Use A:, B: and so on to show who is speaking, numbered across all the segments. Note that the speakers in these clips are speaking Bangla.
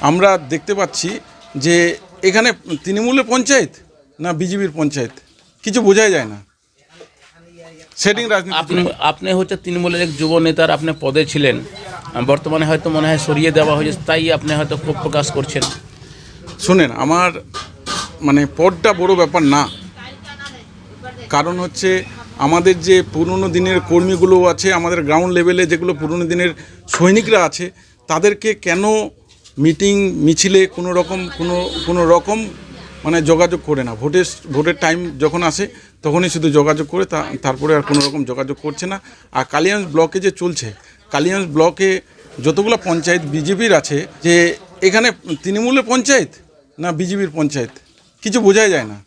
A: আমরা দেখতে পাচ্ছি যে এখানে তৃণমূলের পঞ্চায়েত না বিজেপির পঞ্চায়েত কিছু বোঝাই যায় না। সেটিং রাজনীতি।
B: আপনি হচ্ছে তৃণমূলের এক যুব নেতার আপনি পদে ছিলেন, বর্তমানে হয়তো মনে হয় সরিয়ে দেওয়া হয়েছে, তাই আপনি হয়তো ক্ষোভ প্রকাশ করছেন।
A: শোনেন, আমার পদটা বড় ব্যাপার না। কারণ হচ্ছে আমাদের যে পুরনো দিনের কর্মীগুলো আছে, আমাদের গ্রাউন্ড লেভেলে যেগুলো পুরনো দিনের সৈনিকরা আছে, তাদেরকে কেন মিটিং মিছিলে কোনো রকম যোগাযোগ করে না। ভোটের টাইম যখন আসে তখনই শুধু যোগাযোগ করে, তারপরে আর কোনো রকম যোগাযোগ করছে না। আর কালিয়াগঞ্জ ব্লকে যে চলছে, কালিয়াগঞ্জ ব্লকে যতগুলো পঞ্চায়েত বিজেপির আছে, যে এখানে তৃণমূলের পঞ্চায়েত না বিজেপির পঞ্চায়েত কিছু বোঝাই যায় না।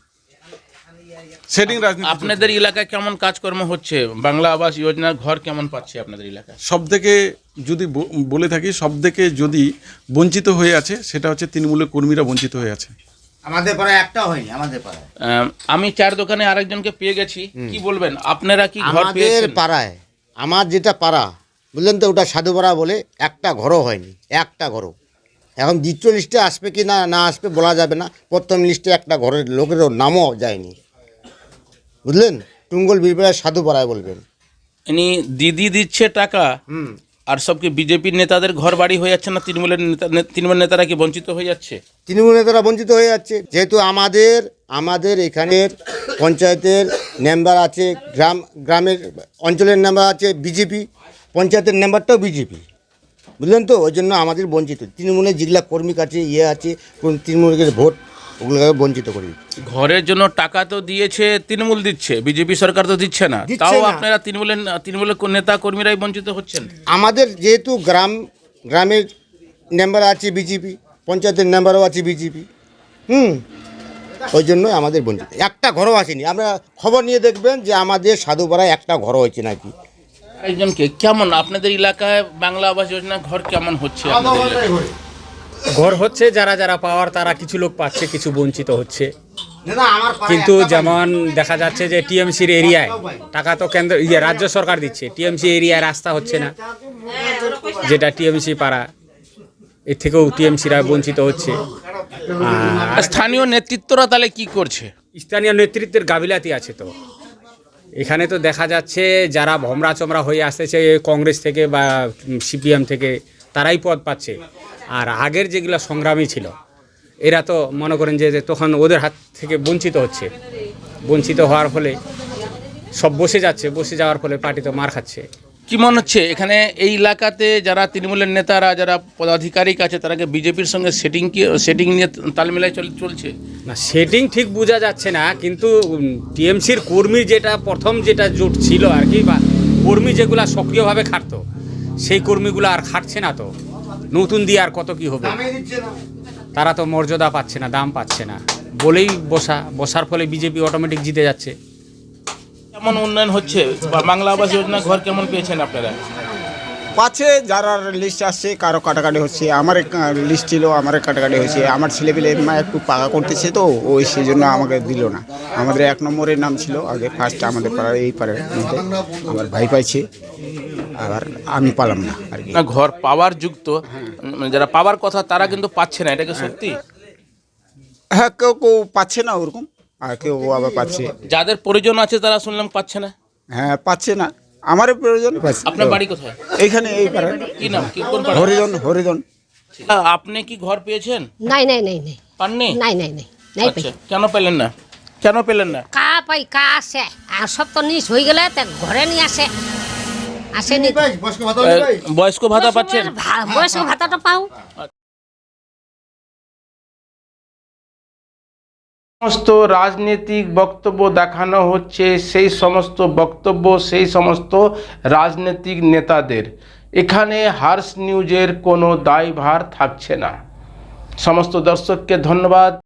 A: সেটিং রাজনীতি।
B: আপনাদের এলাকায় কেমন কাজকর্ম হচ্ছে? বাংলা আবাস যোজনার ঘর কেমন পাচ্ছে আপনাদের এলাকায়?
A: সবথেকে যদি বলে থাকি, সবথেকে যদি বঞ্চিত হয়ে আছে সেটা হচ্ছে তৃণমূলের কর্মীরা বঞ্চিত হয়ে আছে।
C: আমাদের পাড়ায় একটাও হয়নি। আমাদের পাড়ায়
B: আমি চার দোকানে আরেকজনকে পেয়ে গেছি। কি বলবেন, আপনারা কি ঘর পেয়েছেন?
C: আমাদের পাড়ায়, আমার যেটা পাড়া বুঝলেন তো, ওটা সাধুপাড়া বলে, একটা ঘরও হয়নি, একটা ঘরও। এখন দ্বিতীয় লিস্টে আসবে কি না আসবে বলা যাবে না। প্রথম লিস্টে একটা ঘরের লোকেরও নামও যায়নি, বুঝলেন। টুঙ্গল বীরপাড়ায় সাধুপাড়ায় বলবেন।
B: ইনি দিদি দিচ্ছে টাকা, আর সব কি বিজেপির নেতাদের ঘর বাড়ি হয়ে যাচ্ছে না? তৃণমূল নেতারা কি বঞ্চিত হয়ে যাচ্ছে?
C: তৃণমূল নেতারা বঞ্চিত হয়ে যাচ্ছে, যেহেতু আমাদের এখানের পঞ্চায়েতের মেম্বার আছে, গ্রামের অঞ্চলের মেম্বার আছে বিজেপি, পঞ্চায়েতের মেম্বারটাও বিজেপি, বুঝলেন তো। ওই জন্য আমাদের বঞ্চিত। তৃণমূলের যেগুলা কর্মী কাছে আছে, কোন তৃণমূলের ভোট, ওগুলোকে বঞ্চিত করি।
B: ঘরের জন্য টাকা তো দিয়েছে তৃণমূল, দিচ্ছে বিজেপি সরকার তো দিচ্ছে না। তাও আপনারা তৃণমূলের নেতা কর্মীরাই বঞ্চিত হচ্ছেন।
C: আমাদের যেহেতু গ্রামের মেম্বার আছে বিজেপি, পঞ্চায়েতের মেম্বারও আছে বিজেপি, ওই জন্যই আমাদের বঞ্চিত। একটা ঘরও আসেনি। আমরা খবর নিয়ে দেখবেন যে আমাদের সাধুপাড়ায় একটা ঘরও হয়েছে নাকি।
B: একজনকে কেমন আপনাদের এলাকায় বাংলা আবাস যোজনা ঘর কেমন হচ্ছে?
D: ঘর হচ্ছে, যারা পাওয়ার তারা কিছু লোক পাচ্ছে, কিছু বঞ্চিত হচ্ছে। কিন্তু যেমন দেখা যাচ্ছে যে টিএমসির এরিয়ায় টাকা তো রাজ্য সরকার দিচ্ছে, টিএমসি এরিয়ায় রাস্তা হচ্ছে না, যেটা টিএমসি পাড়া, এর থেকেও টিএমসিরা বঞ্চিত হচ্ছে।
B: স্থানীয় নেতৃত্বরা তাহলে কি করছে?
D: স্থানীয় নেতৃত্বের গাফিলতি আছে। তো এখানে তো দেখা যাচ্ছে যারা ভমরা চমরা হয়ে আসতেছে কংগ্রেস থেকে বা সিপিএম থেকে, তারাই পদ পাচ্ছে। আর আগের যেগুলো সংগ্রামী ছিল, এরা তো মনে করেন যে তখন ওদের হাত থেকে বঞ্চিত হচ্ছে। বঞ্চিত হওয়ার ফলে সব বসে যাওয়ার ফলে পার্টি তো মার খাচ্ছে।
B: কি মনে হচ্ছে এখানে এই এলাকাতে যারা তৃণমূলের নেতারা, যারা পদাধিকারিক আছে, তারা বিজেপির সঙ্গে সেটিং নিয়ে তাল মিলাই চলছে
D: না? সেটিং ঠিক বোঝা যাচ্ছে না, কিন্তু টিএমসির কর্মীর প্রথম যেটা জোট ছিল আর কি, বা কর্মী যেগুলা সক্রিয়ভাবে খাটতো, সেই কর্মীগুলো আর খাটছে না। তো নতুন দিয়ে আর কত কি হবে? তারা তো মর্যাদা পাচ্ছে না, দাম পাচ্ছে না বলেই বসার ফলে বিজেপি অটোমেটিক জিতে যাচ্ছে।
B: কেমন উন্নয়ন হচ্ছে? বাংলা আবাস যোজনা ঘর কেমন পেয়েছেন আপনারা?
E: পাচ্ছে, যারা লিস্ট আসছে কারো কাটাকাটি হচ্ছে। আমার লিস্ট ছিল, আমার কাটাকাটি হয়েছে। আমার ছেলেপেলে একটু পাকা করতেছে, তো ওই সেই জন্য আমাকে দিল না। আমাদের 1 নম্বরের নাম ছিল আগে, ফার্স্ট আমাদের পাড়ার, এই পাড়ার মধ্যে আমার ভাই পাইছে, আবার আমি পালাম না আর কি।
B: না, ঘর পাওয়ার যুক্ত, যারা পাওয়ার কথা তারা কিন্তু পাচ্ছে না, এটা কি সত্যি?
E: হ্যাঁ, কেউ পাচ্ছে না ওরকম, আর কেউ আবার পাচ্ছে।
B: যাদের প্রয়োজন আছে তারা শুনলাম পাচ্ছে না।
E: হ্যাঁ, পাচ্ছে না। আমারও প্রয়োজন পাচ্ছে।
B: আপনার বাড়ি কোথায়?
E: এইখানে, এই পাড়ায়।
B: কি নাম, কোন পাড়া?
E: হরিজন।
B: আপনি কি ঘর পেয়েছেন?
F: নাই
B: পাননি?
F: নাই
B: আচ্ছা, কেন পেলেন না?
F: কা আছে, আর সব তো নিচ হয়ে গেলে ঘরে নিয়ে আসেনি।
B: বয়স্ক ভাতা পাচ্ছেন?
F: বয়স্ক ভাতাটা পাও।
B: সমস্ত রাজনৈতিক বক্তব্য দেখানো হচ্ছে, সেই সমস্ত বক্তব্য সেই সমস্ত রাজনৈতিক নেতাদের। এখানে হার্স নিউজের কোনো দায়ভার থাকছে না। সমস্ত দর্শককে ধন্যবাদ।